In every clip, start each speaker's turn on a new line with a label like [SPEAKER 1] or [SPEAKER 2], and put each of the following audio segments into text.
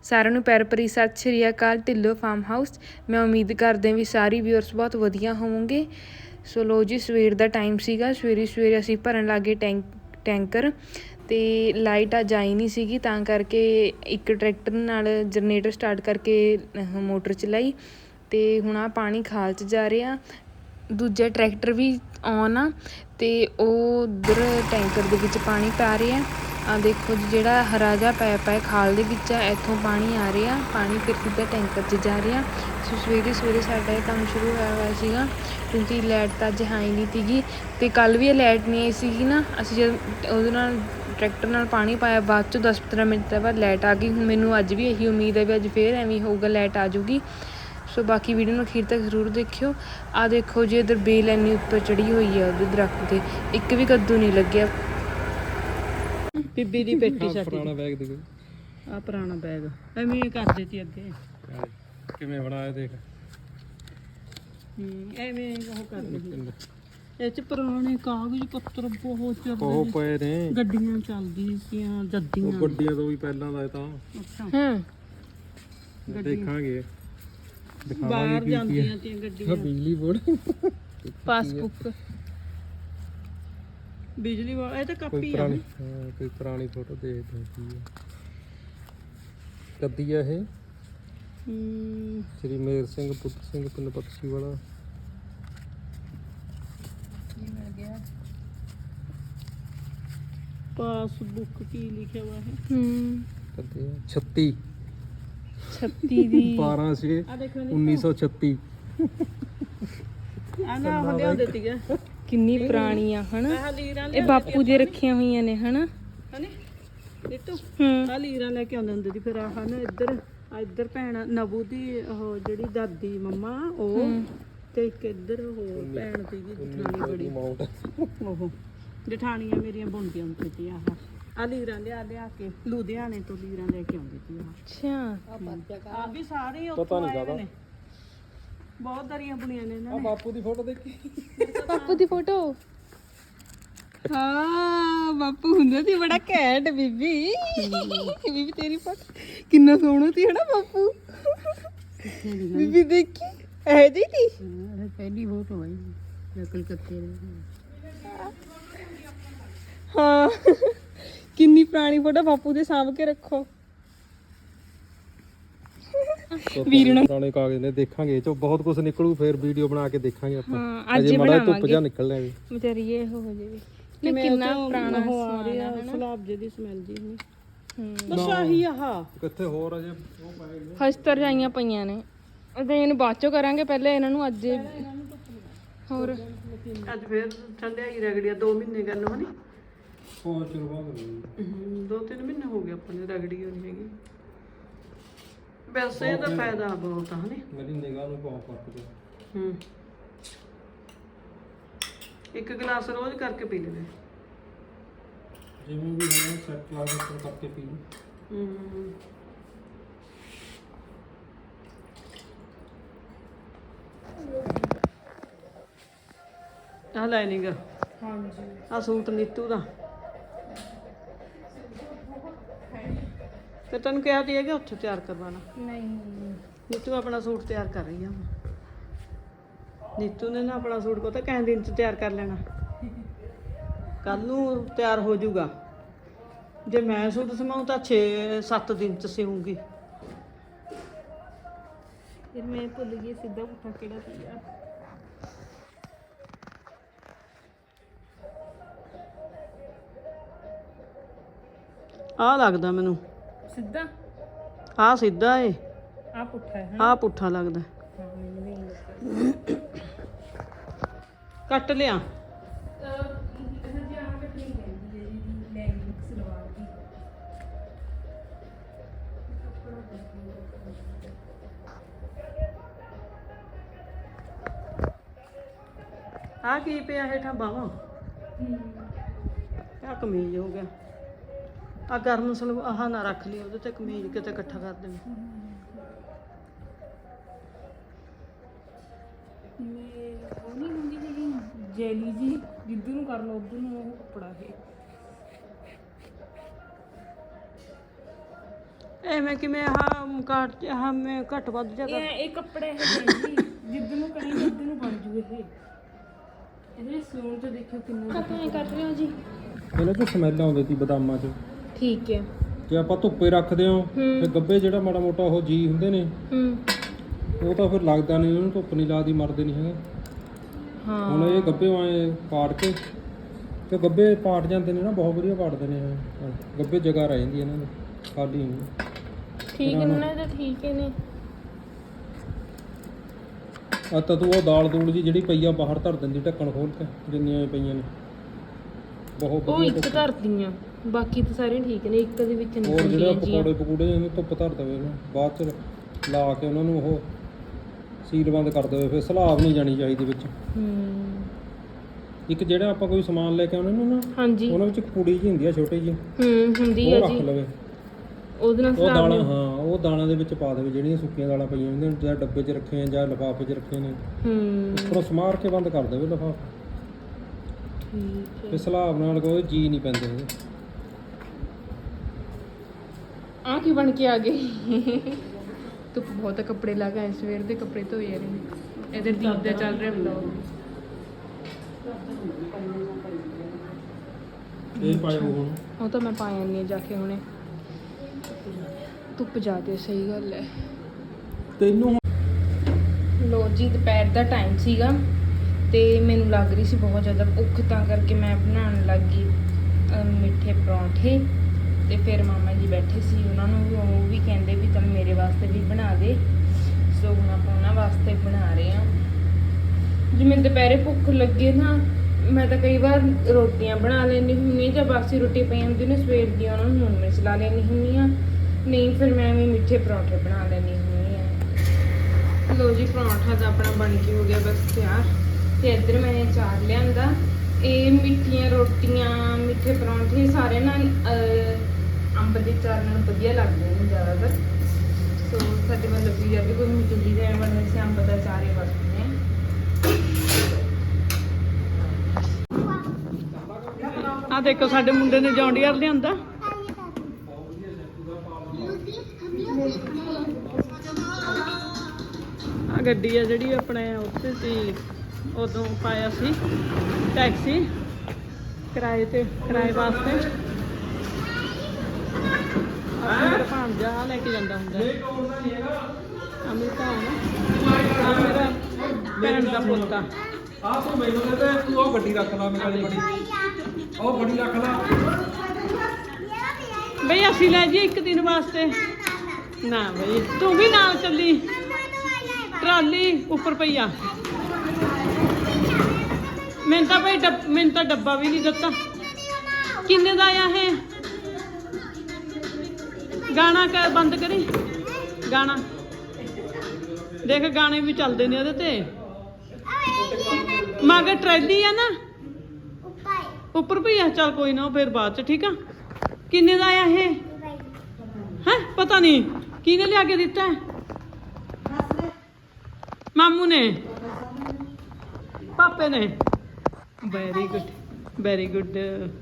[SPEAKER 1] ਸਾਰਿਆਂ ਨੂੰ ਪਿਆਰ ਭਰੀ ਸਤਿ ਸ਼੍ਰੀ ਅਕਾਲ ਢਿੱਲੋਂ ਫਾਰਮ ਹਾਊਸ। ਮੈਂ ਉਮੀਦ ਕਰਦੇ ਹਾਂ ਵੀ ਸਾਰੀ ਵਿਊਅਰਸ ਬਹੁਤ ਵਧੀਆ ਹੋਵੋਗੇ। ਸੋ ਲੋ ਜੀ, ਸਵੇਰ ਦਾ ਟਾਈਮ ਸੀਗਾ। ਸਵੇਰੇ ਅਸੀਂ ਭਰਨ ਲੱਗੇ ਟੈਂਕਰ ਅਤੇ ਲਾਈਟ ਅੱਜ ਆਈ ਨਹੀਂ ਸੀਗੀ, ਤਾਂ ਕਰਕੇ ਇੱਕ ਟਰੈਕਟਰ ਨਾਲ ਜਨਰੇਟਰ ਸਟਾਰਟ ਕਰਕੇ ਮੋਟਰ ਚਲਾਈ ਅਤੇ ਹੁਣ ਆਹ ਪਾਣੀ ਖਾਲ 'ਚ ਜਾ ਰਿਹਾ। ਦੂਜਾ ਟਰੈਕਟਰ ਵੀ ਔਨ ਆ ਅਤੇ ਉਹ ਉੱਧਰ ਟੈਂਕਰ ਦੇ ਵਿੱਚ ਪਾਣੀ ਪਾ ਰਿਹਾ। ਆਹ ਦੇਖੋ ਜੀ, ਜਿਹੜਾ ਹਰਾ ਜਿਹਾ ਪਾਇਪ ਹੈ ਖਾਲ ਦੇ ਵਿੱਚ ਆ, ਇੱਥੋਂ ਪਾਣੀ ਆ ਰਿਹਾ। ਪਾਣੀ ਫਿਰ ਸਿੱਧਾ ਟੈਂਕਰ 'ਚ ਜਾ ਰਿਹਾ। ਸੋ ਸਵੇਰੇ ਸਾਡਾ ਇਹ ਕੰਮ ਸ਼ੁਰੂ ਹੋਇਆ ਸੀਗਾ, ਕਿਉਂਕਿ ਲਾਈਟ ਤਾਂ ਅੱਜ ਹੈ ਹੀ ਨਹੀਂ ਸੀਗੀ ਅਤੇ ਕੱਲ੍ਹ ਵੀ ਇਹ ਲਾਈਟ ਨਹੀਂ ਆਈ ਸੀਗੀ ਨਾ। ਅਸੀਂ ਜਦ ਉਹਦੇ ਨਾਲ ਟਰੈਕਟਰ ਨਾਲ ਪਾਣੀ ਪਾਇਆ, ਬਾਅਦ 'ਚੋਂ 10-15 ਮਿੰਟ ਬਾਅਦ ਲਾਈਟ ਆ ਗਈ। ਹੁਣ ਮੈਨੂੰ ਅੱਜ ਵੀ ਇਹੀ ਉਮੀਦ ਹੈ ਵੀ ਅੱਜ ਫਿਰ ਐਵੇਂ ਹੋਊਗਾ, ਲਾਈਟ ਆ ਜਾਊਗੀ। ਸੋ ਬਾਕੀ ਵੀਡੀਓ ਨੂੰ ਅਖੀਰ ਤੱਕ ਜ਼ਰੂਰ ਦੇਖਿਓ। ਆਹ ਦੇਖੋ ਜੀ, ਇੱਧਰ ਬੇਲ ਇੰਨੀ ਉੱਪਰ ਚੜ੍ਹੀ ਹੋਈ ਹੈ ਉਹਦੇ ਦਰੱਖਤ 'ਤੇ, ਇੱਕ ਵੀ ਕੱਦੂ ਨਹੀਂ ਲੱਗਿਆ।
[SPEAKER 2] ਬੀਬੀ ਦੀ ਪੇਟੀ ਸਾਡੀ
[SPEAKER 3] ਪੁਰਾਣਾ ਬੈਗ ਦੇ
[SPEAKER 2] ਆ ਪੁਰਾਣਾ ਬੈਗ ਐਵੇਂ ਕਰ ਦਿੱਤੀ ਅੱਗੇ।
[SPEAKER 3] ਕਿਵੇਂ ਬਣਾਇਆ ਦੇਖ।
[SPEAKER 2] ਐਵੇਂ ਉਹ ਕਰ ਦਿੱਤੀ। ਇਹ ਚ ਪੁਰਾਣੇ ਕਾਗਜ਼ ਪੱਤਰ ਬਹੁਤ
[SPEAKER 3] ਉਹ ਪਏ ਨੇ,
[SPEAKER 2] ਗੱਡੀਆਂ ਚੱਲਦੀਆਂ ਸੀਆਂ ਜੱਦੀਆਂ।
[SPEAKER 3] ਉਹ ਗੱਡੀਆਂ ਤੋਂ ਵੀ ਪਹਿਲਾਂ ਦਾ ਇਹ ਤਾਂ।
[SPEAKER 2] ਅੱਛਾ
[SPEAKER 3] ਦੇਖਾਂਗੇ
[SPEAKER 2] ਬਾਹਰ ਜਾਂਦੀਆਂ ਤੀਆਂ ਗੱਡੀਆਂ।
[SPEAKER 3] ਬਿਜਲੀ ਬੋਰਡ,
[SPEAKER 1] ਪਾਸਬੁੱਕ,
[SPEAKER 2] ਬਿਜਲੀ ਵਾਲਾ ਇਹ ਤਾਂ
[SPEAKER 3] ਕੋਈ
[SPEAKER 2] ਕਾਪੀ ਆ।
[SPEAKER 3] ਪੁਰਾਣੀ ਕੋਈ ਪੁਰਾਣੀ ਫੋਟੋ ਦੇਖਦੇ ਹਾਂ ਕੀ ਹੈ। ਕੱਦੀ ਆ ਇਹ? ਸ਼੍ਰੀ ਮੇਰ ਸਿੰਘ ਪੁੱਤਰ ਸਿੰਘ ਪਿੰਡ ਬਖਸ਼ੀ ਵਾਲਾ।
[SPEAKER 2] ਪਾਸਬੁੱਕ ਕੀ ਲਿਖਿਆ ਵਾ ਹੈ?
[SPEAKER 3] ਕੱਦੀ 36
[SPEAKER 1] ਦੀ
[SPEAKER 3] 12/6/1936।
[SPEAKER 2] ਆ ਨਾ ਹੋ ਲਿਆ ਦਿੱਤੀ ਹੈ।
[SPEAKER 1] ਕਿੰਨੀ ਪੁਰਾਣੀ ਆ ਹਨਾ।
[SPEAKER 2] ਆਹ ਲੀਰਾਂ
[SPEAKER 1] ਇਹ ਬਾਪੂ ਦੇ ਰੱਖੀਆਂ ਹੋਈਆਂ ਨੇ ਹਨਾ।
[SPEAKER 2] ਹਨੇ ਨੀਤੂ ਆ ਲੀਰਾਂ ਲੈ ਕੇ ਆਉਂਦੇ ਹੁੰਦੇ ਸੀ। ਫਿਰ ਆਹ ਨਾ ਇੱਧਰ ਭੈਣ ਨਬੂ ਦੀ ਉਹ ਜਿਹੜੀ ਦਾਦੀ ਮੰਮਾ ਉਹ ਤੇ ਇੱਕ ਇੱਧਰ ਉਹ ਭੈਣ ਸੀਗੀ ਜਠਾਣੀ ਬੜੀ, ਉਹ ਜਠਾਣੀਆਂ ਮੇਰੀਆਂ ਬੁਣਦੀਆਂ ਹੁੰਦੀਆਂ ਸੀ। ਆਹ ਲੀਰਾਂ ਲਿਆ ਕੇ ਲੁਧਿਆਣੇ ਤੋਂ ਲੀਰਾਂ ਲੈ ਕੇ ਆਉਂਦੀ ਸੀ।
[SPEAKER 1] ਅੱਛਾ,
[SPEAKER 2] ਆ ਵੀ ਸਾਰੇ
[SPEAKER 3] ਪਤਾ ਨਹੀਂ
[SPEAKER 2] ਆਏ
[SPEAKER 3] ਕਾਹਦਾ।
[SPEAKER 2] ਨੇ, ਬਹੁਤ ਦਰੀਆਂ ਬੁਣੀਆਂ ਨੇ ਇਹਨਾਂ
[SPEAKER 3] ਆ
[SPEAKER 2] ਨੇ।
[SPEAKER 3] ਬਾਪੂ ਦੀ ਫੋਟੋ ਦੇਖੀ।
[SPEAKER 1] ਬਾਪੂ ਦੀ ਫੋਟੋ।
[SPEAKER 2] ਹਾਂ ਬਾਪੂ ਹੁੰਦਾ ਸੀ ਬੜਾ ਘੈਂਟ। ਬੀਬੀ ਤੇਰੀ ਫੋਟੋ ਕਿੰਨਾ ਸੋਹਣਾ ਸੀ ਹਨਾ ਬਾਪੂ। ਬੀਬੀ ਦੇਖੀ ਇਹ ਜੀ ਥੀ ਪਹਿਲੀ ਫੋਟੋ ਹੈ ਕਲਕੱਤੇ ਦੀ। ਹਾਂ ਕਿੰਨੀ ਪੁਰਾਣੀ ਫੋਟੋ ਬਾਪੂ ਦੇ ਸਾਂਭ ਕੇ ਰੱਖੋ।
[SPEAKER 3] ਪੁਰਾਣੇ ਕਾਗਜ਼ ਨੇ, ਦੇਖਾਂਗੇ ਇਹ ਚੋਂ ਬਹੁਤ ਕੁਝ ਨਿਕਲੂ। ਫਿਰ ਵੀਡੀਓ ਬਣਾ ਕੇ ਦੇਖਾਂਗੇ ਆਪਾਂ। ਅਜੇ ਮਾੜਾ ਧੁੱਪ ਜਾ ਨਿਕਲ ਰਿਹਾ ਵੀ
[SPEAKER 1] ਵਿਚਾਰੀ ਇਹ ਹੋ ਜਾਵੇ। ਕਿੰਨਾ ਪੁਰਾਣਾ
[SPEAKER 2] ਹੋ ਆ ਰਿਹਾ ਸਲਾਬ ਜਿਹੀ ਸਮੈਲ ਜੀ ਨਹੀਂ। ਬਸ ਆਹੀ ਆਹ
[SPEAKER 3] ਕਿੱਥੇ ਹੋਰ ਅਜੇ ਉਹ ਪਾਏ ਨੇ।
[SPEAKER 1] ਹਸਤਰ ਜਾਈਆਂ ਪਈਆਂ ਨੇ। ਅਤੇ ਇਹਨੂੰ ਬਾਅਦ ਚੋਂ ਕਰਾਂਗੇ, ਪਹਿਲੇ ਇਹਨਾਂ ਨੂੰ ਅੱਜ ਹੋਰ
[SPEAKER 2] ਅੱਜ ਫੇਰ ਠੰਡਿਆ ਹੀ ਰਗੜੀਆਂ 2 ਮਹੀਨੇ ਗੱਲ ਹੋਣੀ।
[SPEAKER 3] ਬਹੁਤ ਚਿਰ ਬਾਅਦ
[SPEAKER 2] 2-3 ਮਹੀਨੇ ਹੋ ਗਏ ਆਪਾਂ ਨੇ ਰਗੜੀ ਹੋਣੀ ਹੈਗੀ। ਵੈਸੇ ਇਹਦਾ ਫਾਇਦਾ ਬਹੁਤ ਆ ਹਨੇ।
[SPEAKER 3] ਮੇਰੀ ਨਿਗਾਹ ਨੂੰ ਬਹੁਤ ਫਰਕ ਪਿਆ।
[SPEAKER 2] ਇੱਕ ਗਲਾਸ ਰੋਜ਼ ਕਰਕੇ ਪੀ ਲੈਣਾ।
[SPEAKER 3] ਜਿਵੇਂ ਵੀ ਹੈ ਸੈਟ ਲਾ ਕੇ ਕਰਕੇ ਪੀ ਲਓ। ਆ ਲਾਈਨਿੰਗ ਹਾਂਜੀ ਆ ਸੂਟ ਨੀਤੂ ਦਾ। ਤੇ ਤੈਨੂੰ ਕਿਹਾ ਤੀ ਹੈ ਕਿ ਉੱਥੇ ਤਿਆਰ ਕਰਵਾਣਾ?
[SPEAKER 1] ਨਹੀਂ,
[SPEAKER 2] ਨੀਤੂ ਆਪਣਾ ਸੂਟ ਤਿਆਰ ਕਰ ਰਹੀ ਆ। ਨੀਤੂ ਨੇ ਨਾ ਆਪਣਾ ਸੂਟ ਪਤਾ ਕਿੰਨੇ ਦਿਨ 'ਚ ਤਿਆਰ ਕਰ ਲੈਣਾ। ਕੱਲ ਨੂੰ ਤਿਆਰ ਹੋ ਜਾਊਗਾ। ਜੇ ਮੈਂ ਸੂਟ ਸਮਾਉਂ ਤਾਂ 6-7 ਦਿਨ 'ਚ ਸਿਉਂਗੀ।
[SPEAKER 1] ਫਿਰ ਮੈਂ ਭੁੱਲ ਗਈ ਸਿੱਧਾ ਪੁੱਠਾ ਕਿਹੜਾ ਸੀਗਾ।
[SPEAKER 2] ਆਹ ਲੱਗਦਾ ਮੈਨੂੰ
[SPEAKER 1] ਸਿੱਧਾ
[SPEAKER 2] ਆਹ ਸਿੱਧਾ ਏ,
[SPEAKER 1] ਆ ਪੁੱਠਾ ਹੈ।
[SPEAKER 2] ਆਹ ਪੁੱਠਾ ਲੱਗਦਾ। ਕੱਟ ਲਿਆ। ਆ ਕੀ ਪਿਆ ਹੇਠਾਂ ਬਾਹਾਂ? ਆ ਕਮੀਜ਼ ਹੋ ਗਿਆ। ਆ ਗਰਮ ਸਲਵਾਰ ਆਹ ਨਾ ਰੱਖ ਲਈ, ਉਹਦੇ ਤੇ ਕਮੀਜ਼ ਕਿਤੇ ਇਕੱਠਾ ਕਰ ਦੇਣਾ।
[SPEAKER 1] ਉਹ ਨਹੀਂ ਹੁੰਦੀ ਜਿਹੜੀ ਜੈਲੀ ਜੀ, ਜਿੱਧਰ ਨੂੰ ਕਰ ਲਓ ਉੱਧਰ ਨੂੰ ਉਹ ਕੱਪੜਾ ਹੈ।
[SPEAKER 2] ਐਵੇਂ ਕਿਵੇਂ ਆਹ ਕਾਟ ਆਹ ਮੈਂ ਘੱਟ ਵੱਧ ਜਾ ਕਰ
[SPEAKER 1] ਇਹ ਕੱਪੜੇ ਇਹ ਜੀ ਜਿੱਦ ਨੂੰ ਕਰੀ ਜਿੱਦ ਨੂੰ ਬਣ ਜੂ ਇਹ ਇਹਦੇ ਸੂਣ ਤੇ ਦੇਖਿਓ ਕਿੰਨਾ ਕੱਪੜੇ ਕਰ ਰਹੇ ਹੋ ਜੀ।
[SPEAKER 3] ਇਹਨਾਂ ਚੋਂ ਸਮੈਲ ਆਉਂਦੀ ਸੀ ਬਦਾਮਾਂ 'ਚ।
[SPEAKER 1] ਠੀਕ ਹੈ।
[SPEAKER 3] ਜੇ ਆਪਾਂ ਧੁੱਪੇ ਰੱਖਦੇ ਹਾਂ ਤੇ ਗੱਬੇ ਜਿਹੜਾ ਮਾੜਾ ਮੋਟਾ ਉਹ ਜੀ ਹੁੰਦੇ ਨੇ ਉਹ ਤਾਂ ਫਿਰ ਲੱਗਦਾ ਨਹੀਂ, ਉਹਨੂੰ ਧੁੱਪ ਨਹੀਂ ਲੱਗਦੀ, ਮਰਦੇ ਨਹੀਂ ਹੈਗੇ।
[SPEAKER 1] ਹਾਂ
[SPEAKER 3] ਹੁਣ ਇਹ ਗੱਬੇ ਆਏ ਪਾੜ ਕੇ ਤੇ ਗੱਬੇ ਪਾੜ ਜਾਂਦੇ ਨੇ ਨਾ, ਬਹੁਤ ਵਧੀਆ ਪਾੜਦੇ ਨੇ ਇਹ। ਗੱਬੇ ਜਗ੍ਹਾ ਰਹਿ ਜਾਂਦੀ ਇਹਨਾਂ ਦੀ ਖਾਲੀ ਨਹੀਂ।
[SPEAKER 1] ਠੀਕ ਨੇ ਨਾ, ਤਾਂ ਠੀਕ ਨੇ।
[SPEAKER 3] ਆ ਤਾਂ ਤੂੰ ਉਹ ਦਾਲ ਦੂਲ ਜੀ ਜਿਹੜੀ ਪਈ ਆ ਬਾਹਰ ਧਰ ਦਿੰਦੀ ਢੱਕਣ ਖੋਲ ਕੇ, ਜਿੰਨੀਆਂ ਪਈਆਂ ਨੇ ਬਹੁਤ
[SPEAKER 1] ਉਹ
[SPEAKER 3] ਵਧੀਆ।
[SPEAKER 1] ਇੱਕ ਧਰਦੀਆਂ, ਬਾਕੀ ਤਾਂ ਸਾਰੇ ਠੀਕ ਨੇ, ਇੱਕ ਦੇ ਵਿੱਚ
[SPEAKER 3] ਹੋਰ ਜਿਹੜੇ
[SPEAKER 1] ਨਿਕਲਦੀਆਂ
[SPEAKER 3] ਪਕੌੜੇ ਪਕੂੜੇ ਇਹਨੂੰ ਧੁੱਪ ਧਰ ਦੇਵੇ ਇਹਨੂੰ, ਬਾਅਦ ਚ ਲਾ ਕੇ ਉਹਨਾਂ ਨੂੰ ਉਹ ਸੀਲ ਬੰਦ ਕਰ ਦੇਵੇ, ਫਿਰ ਸਲਾਬ ਨਹੀਂ ਜਾਣੀ ਚਾਹੀਦੀ ਵਿੱਚ। ਇੱਕ ਜਿਹੜਾ ਆਪਾਂ ਕੋਈ ਸਮਾਨ ਲੈ ਕੇ ਆਉਣੇ ਨੂੰ ਨਾ,
[SPEAKER 1] ਹਾਂਜੀ
[SPEAKER 3] ਉਹਨਾਂ ਵਿੱਚ ਇੱਕ ਕੁੜੀ ਜੀ ਹੁੰਦੀ ਆ ਛੋਟੀ ਜੀ,
[SPEAKER 1] ਹੁੰਦੀ
[SPEAKER 3] ਉਹ
[SPEAKER 1] ਆ
[SPEAKER 3] ਰੱਖ
[SPEAKER 1] ਜੀ,
[SPEAKER 3] ਲਵੇ।
[SPEAKER 1] ਉਹਦੇ ਨਾਲ
[SPEAKER 3] ਉਹ
[SPEAKER 1] ਸਲਾਬ
[SPEAKER 3] ਦਾਣਾ, ਹਾਂ ਉਹ ਦਾਣਾ ਦੇ ਵਿੱਚ ਪਾ ਦੇਵੇ, ਜਿਹੜੀਆਂ ਸੁੱਕੀਆਂ ਦਾਲਾਂ ਪਈਆਂ ਹੁੰਦੀਆਂ ਨੇ, ਜਾਂ ਡੱਬੇ 'ਚ ਰੱਖੇ ਆ ਜਾਂ ਲਿਫਾਫੇ 'ਚ ਰੱਖੇ ਨੇ, ਉੱਪਰੋਂ ਸਮਾਰ ਕੇ ਬੰਦ ਕਰ ਦੇਵੇ ਲਿਫਾਫਾ।
[SPEAKER 1] ਠੀਕ ਹੈ।
[SPEAKER 3] ਤੇ ਸਲਾਬ ਨਾਲ ਕੋਈ ਜੀ ਨਹੀਂ ਪੈਂਦੇ ਇਹਦੇ।
[SPEAKER 1] ਆ ਕੀ ਬਣ ਕੇ ਆ ਗਏ? ਧੁੱਪ ਬਹੁਤ ਆ, ਕੱਪੜੇ ਲਾ ਕੇ ਆਏ, ਸਵੇਰ ਦੇ ਕੱਪੜੇ ਧੋਏ ਆ ਨੇ। ਇਧਰ ਦੀਪ ਦਾ ਚੱਲ ਰਿਹਾ ਵਲੌਗ।
[SPEAKER 3] ਇਹ ਪਾਇਓ ਹੁਣ,
[SPEAKER 1] ਉਹ ਤਾਂ ਮੈਂ ਪਾ ਆਨੀ ਆ ਜਾ ਕੇ ਹੁਣੇ, ਧੁੱਪ ਜ਼ਿਆਦੇ, ਸਹੀ ਗੱਲ ਹੈ।
[SPEAKER 3] ਤੈਨੂੰ
[SPEAKER 1] ਲੋ ਜੀ ਦੁਪਹਿਰ ਦਾ ਟਾਈਮ ਸੀਗਾ ਤੇ ਮੈਨੂੰ ਲੱਗ ਰਹੀ ਸੀ ਬਹੁਤ ਜ਼ਿਆਦਾ ਭੁੱਖ, ਤਾਂ ਕਰਕੇ ਮੈਂ ਬਣਾਉਣ ਲੱਗੀ ਮਿੱਠੇ ਪਰੌਂਠੇ। ਤੇ ਫਿਰ ਮਾਮਾ ਜੀ ਬੈਠੇ ਸੀ, ਉਹਨਾਂ ਨੂੰ ਵੀ ਉਹ ਵੀ ਕਹਿੰਦੇ ਵੀ ਚੱਲ ਮੇਰੇ ਵਾਸਤੇ ਵੀ ਬਣਾ ਦੇ। ਸੋ ਹੁਣ ਆਪਾਂ ਉਹਨਾਂ ਵਾਸਤੇ ਬਣਾ ਰਹੇ ਹਾਂ। ਜਿਵੇਂ ਦੁਪਹਿਰੇ ਭੁੱਖ ਲੱਗੇ ਨਾ, ਮੈਂ ਤਾਂ ਕਈ ਵਾਰ ਰੋਟੀਆਂ ਬਣਾ ਲੈਂਦੀ ਹੁੰਦੀ ਜਾਂ ਬਾਸੀ ਰੋਟੀ ਪਈ ਹੁੰਦੀ ਨੇ ਸਵੇਰ ਦੀ, ਉਹਨਾਂ ਨੂੰ ਹੁਣ ਮਿਰਚ ਲਾ ਲੈਂਦੀ ਹੁੰਦੀ ਹਾਂ, ਨਹੀਂ ਫਿਰ ਮੈਂ ਵੀ ਮਿੱਠੇ ਪਰੌਂਠੇ ਬਣਾ ਲੈਂਦੀ ਹੁੰਦੀ ਹਾਂ। ਲੋ ਜੀ ਪਰੌਂਠਾ ਤਾਂ ਆਪਣਾ ਬਣ ਕੇ ਹੋ ਗਿਆ ਬਸ ਤਿਆਰ। ਤੇ ਇੱਧਰ ਮੈਂ ਚਾਰ ਲਿਆਂਦਾ। ਇਹ ਮਿੱਠੀਆਂ ਰੋਟੀਆਂ, ਮਿੱਠੇ ਪਰੌਂਠੇ ਸਾਰੇ ਨਾਲ ਅੰਬ ਦੇ ਚਾਰ ਨਾਲ ਵਧੀਆ ਲੱਗਦੇ ਨੇ ਜ਼ਿਆਦਾਤਰ। ਸੋ ਸਾਡੇ ਮਤਲਬ ਵੀ ਜਦ ਵੀ ਕੋਈ ਮਿੱਠੀ ਦੇ ਬਣਦੇ ਸੀ, ਅੰਬ ਦਾ ਚਾਰ ਹੀ ਵਰਤਦੇ ਹਾਂ।
[SPEAKER 2] ਆ ਦੇਖੋ ਸਾਡੇ ਮੁੰਡੇ ਨੇ ਜੌਂਡੀਅਰ ਲਿਆਂਦਾ। ਆ ਗੱਡੀ ਆ ਜਿਹੜੀ ਆਪਣੇ ਉੱਤੇ ਸੀ, ਉਦੋਂ ਪਾਇਆ ਸੀ ਟੈਕਸੀ ਕਿਰਾਏ ਵਾਸਤੇ। ਮੇਰਾ ਭਾਂਜਾ ਲੈ ਕੇ ਜਾਂਦਾ ਹੁੰਦਾ ਅਮ੍ਰਿਤਾ ਨਾ, ਆ ਮੇਰਾ ਭੈਣ ਦਾ ਪੋਤਾ।
[SPEAKER 3] ਆਹ ਤੂੰ ਮੈਨੂੰ ਕਹਿੰਦਾ ਤੂੰ ਉਹ ਗੱਡੀ ਰੱਖ ਲਾ, ਮੇਰੇ ਵਾਲੀ ਬੜੀ, ਉਹ ਬੜੀ ਰੱਖ ਲਾ।
[SPEAKER 2] ਬਈ ਅਸੀਂ ਲੈ ਜੀ ਇੱਕ ਦਿਨ ਵਾਸਤੇ ਨਾ, ਬਈ ਤੂੰ ਵੀ ਨਾਲ ਚੱਲੀ। ਟਰਾਲੀ ਉੱਪਰ ਪਈ ਆ। ਮੈਨੂੰ ਤਾਂ ਭਾਈ ਮੈਨੂੰ ਤਾਂ ਡੱਬਾ ਵੀ ਨਹੀਂ ਦਿੱਤਾ। ਕਿੰਨੇ ਦਾ ਆਇਆ ਇਹ? ਗਾਣਾ ਬੰਦ ਕਰੀ, ਗਾਣਾ ਦੇਖ, ਗਾਣੇ ਵੀ ਚੱਲਦੇ ਨੇ ਉਹਦੇ ਤੇ। ਮਗਰ ਟਰੈਲੀ ਆ ਨਾ, ਉੱਪਰ ਪਈ ਆ। ਚੱਲ ਕੋਈ ਨਾ, ਫਿਰ ਬਾਅਦ ਚ, ਠੀਕ ਆ। ਕਿੰਨੇ ਦਾ ਆਇਆ ਇਹ? ਹੈ ਪਤਾ ਨਹੀਂ ਕਿਹਨੇ ਲਿਆ ਕੇ ਦਿੱਤਾ। ਮਾਮੂ ਨੇ, ਪਾਪੇ ਨੇ। Very good, very good.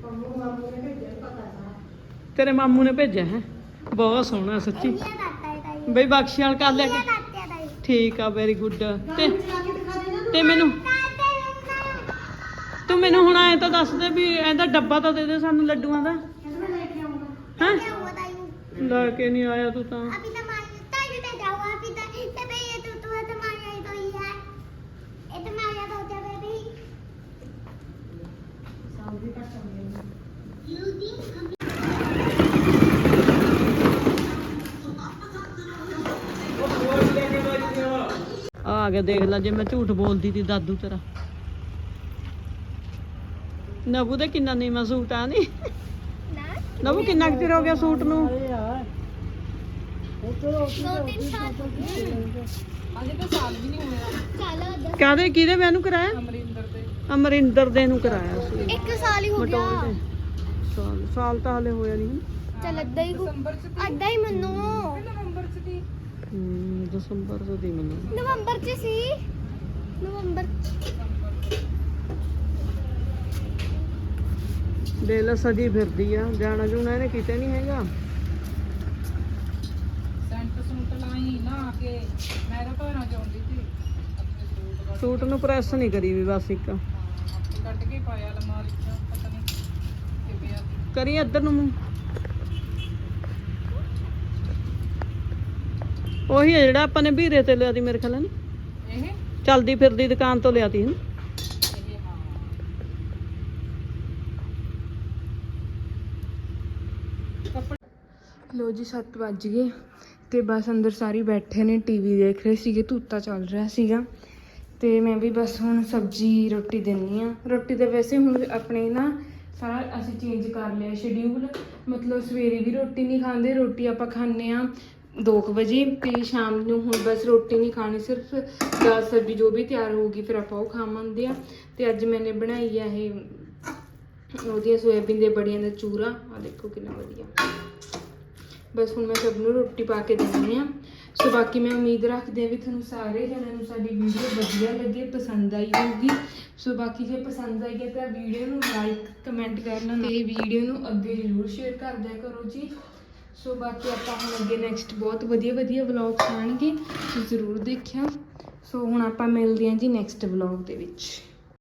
[SPEAKER 2] ਤੇਰੇ ਮਾਮੂ ਨੇ ਭੇਜਿਆ ਹੈ, ਬਹੁਤ ਸੋਹਣਾ ਸੱਚੀ। ਬਈ ਬਖਸ਼ਿਆਲ ਕਰ ਲਿਆ ਕੇ, ਠੀਕ ਆ, ਵੈਰੀ ਗੁੱਡ। ਤੇ ਮੈਨੂੰ ਤੂੰ ਮੈਨੂੰ ਹੁਣ ਆਏ ਤਾਂ ਦੱਸ ਦੇ ਵੀ ਇਹਦਾ ਡੱਬਾ ਤਾਂ ਦੇ ਦੇ ਸਾਨੂੰ ਲੱਡੂਆਂ ਦਾ। ਹੈ ਲੈ ਕੇ ਨਹੀਂ ਆਇਆ ਤੂੰ ਤਾਂ। ਆ ਗਿਆ, ਦੇਖ ਲੈ ਜੇ ਮੈਂ ਝੂਠ ਬੋਲਦੀ ਤੀ ਦਾਦੂ ਤੇਰਾ। ਨਬੂ ਦਾ ਕਿੰਨਾ ਨੀਵਾਂ ਸੂਟ ਆ ਨੀ। ਨਬੂ ਕਿੰਨਾ ਕੁ ਚਿਰ ਹੋ ਗਿਆ ਸੂਟ ਨੂੰ?
[SPEAKER 4] 2-3 ਸਾਲ
[SPEAKER 1] ਅਜੇ ਤਾਂ ਸਾਲ ਵੀ ਨਹੀਂ ਹੋਇਆ।
[SPEAKER 2] ਕਾਹਦੇ ਕਿਹਦੇ ਵਿਆਹ ਨੂੰ ਕਰਾਇਆ?
[SPEAKER 1] ਅਮਰਿੰਦਰ ਦੇ।
[SPEAKER 2] ਅਮਰਿੰਦਰ ਦੇ ਨੂੰ ਕਰਾਇਆ ਸੀ।
[SPEAKER 4] 1 ਸਾਲ ਹੀ ਹੋ ਗਿਆ।
[SPEAKER 2] ਮਟੋਲ ਦੇ ਸਾਲ ਤਾਂ ਹਲੇ ਹੋਇਆ ਨਹੀਂ।
[SPEAKER 4] ਚੱਲ ਅੱਧਾ ਹੀ ਮੰਨੋ।
[SPEAKER 1] ਨਵੰਬਰ ਚ ਦੀ।
[SPEAKER 2] ਦਸੰਬਰ ਤੋਂ ਦੀ ਮੈਨੂੰ।
[SPEAKER 4] ਨਵੰਬਰ ਚ ਸੀ, ਨਵੰਬਰ।
[SPEAKER 2] ਦੇ ਲਾ ਸਜੀ ਫਿਰਦੀ ਆ, ਜਾਣਾ ਜੂਣਾ ਇਹਨੇ ਕਿਤੇ ਨਹੀਂ ਹੈਗਾ। ਸੂਟ ਨੂੰ ਪ੍ਰੈਸ ਨਹੀਂ ਕਰੀ ਵੀ ਬਸ ਇੱਕ ਕਰੀ ਇੱਧਰ ਨੂੰ ਮੂੰਹ। ਉਹੀ ਹੈ ਜਿਹੜਾ ਆਪਾਂ ਨੇ ਵੀਰੇ ਤੇ ਲਿਆ ਤੀ ਮੇਰੇ ਖਿਆਲ ਨਾਲ ਚਲਦੀ ਫਿਰਦੀ ਦੁਕਾਨ ਤੋਂ ਲਿਆ ਤੀ
[SPEAKER 1] ਲੋ ਜੀ 7 ਵੱਜ ਗਏ ਤੇ ਬਸ ਅੰਦਰ ਸਾਰੇ ਬੈਠੇ ਨੇ ਟੀਵੀ ਦੇਖ ਰਹੇ ਸੀਗੇ, ਧੂਤਾ ਚੱਲ ਰਿਹਾ ਸੀਗਾ ਤੇ ਮੈਂ ਵੀ ਬਸ ਹੁਣ ਸਬਜ਼ੀ ਰੋਟੀ ਦਿੰਨੀ ਆ। ਰੋਟੀ ਤਾਂ ਵੈਸੇ ਹੁਣ ਆਪਣੇ ਨਾ ਸਾਰਾ ਅਸੀਂ ਚੇਂਜ ਕਰ ਲਿਆ ਸ਼ਡਿਊਲ, ਮਤਲਬ ਸਵੇਰੇ ਵੀ ਰੋਟੀ ਨਹੀਂ ਖਾਂਦੇ, ਰੋਟੀ ਆਪਾਂ ਖਾਂਦੇ ਆ 2 ਵਜੇ ਤੇ ਸ਼ਾਮ ਨੂੰ ਹੁਣ ਬਸ ਰੋਟੀ ਨਹੀਂ ਖਾਣੀ, ਸਿਰਫ ਦਾਲ ਸਬਜ਼ੀ ਜੋ ਵੀ ਤਿਆਰ ਹੋਊਗੀ ਫਿਰ ਆਪਾਂ ਉਹ ਖਾਵਾਂਗੇ ਆ। ਤੇ ਅੱਜ ਮੈਨੇ ਬਣਾਈ ਆ ਇਹ ਉਹਦੀਆਂ ਸੋਇਆਬੀਨ ਦੇ ਬੜੀਆਂ ਦਾ ਚੂਰਾ, ਆ ਦੇਖੋ ਕਿੰਨਾ ਵਧੀਆ। ਬਸ ਹੁਣ ਮੈਂ ਸਭ ਨੂੰ ਰੋਟੀ ਪਾ ਕੇ ਦਿੰਦੀ ਆ। ਸੋ ਬਾਕੀ ਮੈਂ ਉਮੀਦ ਰੱਖਦੀ ਹਾਂ ਵੀ ਤੁਹਾਨੂੰ ਸਾਰੇ ਜਣਿਆਂ ਨੂੰ ਸਾਡੀ ਵੀਡੀਓ ਵਧੀਆ ਲੱਗੇ, ਪਸੰਦ ਆਈ ਹੋਊਗੀ। ਸੋ ਬਾਕੀ ਜੇ ਪਸੰਦ ਆਈ ਹੈ ਤਾਂ ਵੀਡੀਓ ਨੂੰ ਲਾਈਕ ਕਮੈਂਟ ਕਰਨਾ ਤੇ ਵੀਡੀਓ ਨੂੰ ਅੱਗੇ ਜ਼ਰੂਰ ਸ਼ੇਅਰ ਕਰ ਦਿਆ ਕਰੋ ਜੀ। ਸੋ ਬਾਕੀ ਆਪਾਂ ਹੁਣ ਅੱਗੇ ਨੈਕਸਟ ਬਹੁਤ ਵਧੀਆ ਵਧੀਆ ਵਲੌਗਸ ਆਉਣਗੇ, ਜ਼ਰੂਰ ਦੇਖਿਓ। ਸੋ ਹੁਣ ਆਪਾਂ ਮਿਲਦੇ ਹਾਂ ਜੀ ਨੈਕਸਟ ਵਲੌਗ ਦੇ ਵਿੱਚ।